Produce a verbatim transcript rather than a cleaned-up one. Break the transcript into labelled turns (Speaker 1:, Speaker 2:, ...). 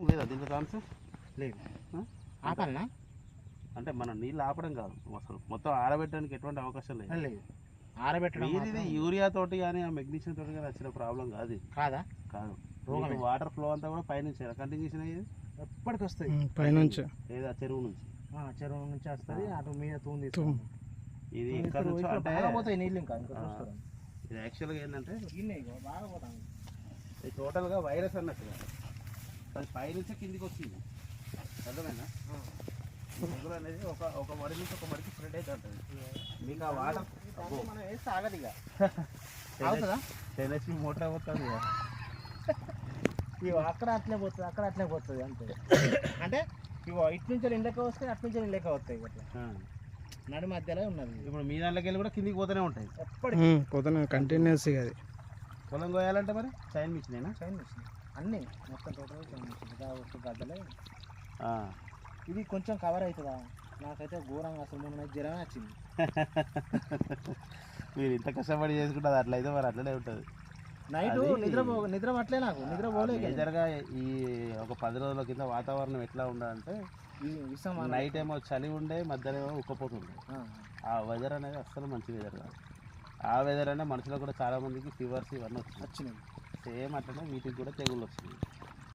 Speaker 1: లేదా దీంట్లో ఛాన్స్
Speaker 2: లేదు. ఆపాలనా?
Speaker 1: అంటే మనం నీళ్ళు ఆపడం కాదు, అసలు మొత్తం ఆరబెట్టడానికి ఎటువంటి అవకాశం లేదు.
Speaker 2: లేదు, ఆరబెట్టడం
Speaker 1: ఇది యూరియా తోటి కానీ ఆ మెగ్నీషియం తోటి కానీ వచ్చిన ప్రాబ్లం కాదు.
Speaker 2: కాదా?
Speaker 1: కాదు. వాటర్ ఫ్లో అంతా కూడా పైనుంచి కంటిన్యూషన్ అయ్యేది
Speaker 2: ఎప్పటికి వస్తుంది
Speaker 3: పైనుంచి,
Speaker 1: లేదా చెరువు నుంచి.
Speaker 2: చెరువు నుంచి వస్తుంది, అటు మీద తూంది.
Speaker 1: ఇది ఇక్కడ నుంచి అంటే
Speaker 2: పోతాయి నీళ్ళు. ఇంకా
Speaker 1: ఇది యాక్చువల్గా ఏంటంటే
Speaker 2: బాగా పోతాం.
Speaker 1: ఇది టోటల్గా వైరస్ అన్నట్టు అది పైనుంచి కిందికి వచ్చింది. అర్థమైనా? తెగులు అనేది ఒక ఒక మడి నుంచి ఒక మడికి స్ప్రెడ్ అయితే ఉంటుంది. మీకు ఆ వాటర్
Speaker 2: మనం వేస్తే ఆగదు. ఇక అవుతుందా?
Speaker 1: టెన్ హెచ్పి మోటార్ అవుతుంది.
Speaker 2: ఇవి అక్కడ అట్లే పోతుంది, అక్కడ అట్లే పోతుంది అంతే. అంటే ఇవి ఇటు నుంచి ఇండ్లకి వస్తాయి, అటు నుంచి ఇండ్లకి వస్తాయి. అట్లా నడి మధ్యలో ఉన్నది.
Speaker 1: ఇప్పుడు మీ దాంట్లోకి వెళ్ళి కూడా కిందికి పోతూనే ఉంటాయి.
Speaker 3: ఎప్పటికీ పోతూనే కంటిన్యూస్. అది
Speaker 1: పొలం కోయాలంటే మరి చైన్ మిషన్
Speaker 2: చైన్ మిషన్ అన్నీ మొత్తం టోటల్ చైన్ మిషన్ గడ్డలే. ఇది కొంచెం కవర్ అవుతుందా? నాకైతే ఘోరంగా అసలు మొన్న జ్వరమే వచ్చింది.
Speaker 1: మీరు ఇంత కష్టపడి చేసుకుంటుంది అట్లయితే మరి అట్లనే ఉంటుంది.
Speaker 2: నైట్ నిద్ర నిద్ర పట్టలే, నాకు నిద్ర పోలేదు.
Speaker 1: మేజర్గా ఈ ఒక పది రోజుల కింద వాతావరణం ఎట్లా ఉండాలంటే నైట్ ఏమో చలి ఉండే, మధ్యాహ్నం ఏమో ఉక్కపోతుండే. ఆ వెదర్ అనేది అస్సలు మంచి వెదర్ కాదు. ఆ వెదర్ అనే మనుషులకు కూడా చాలా మందికి ఫీవర్స్ ఇవన్నీ వచ్చినాయి. సేమ్ అట్లనే వీటికి కూడా తెగుళ్ళు వచ్చినాయి.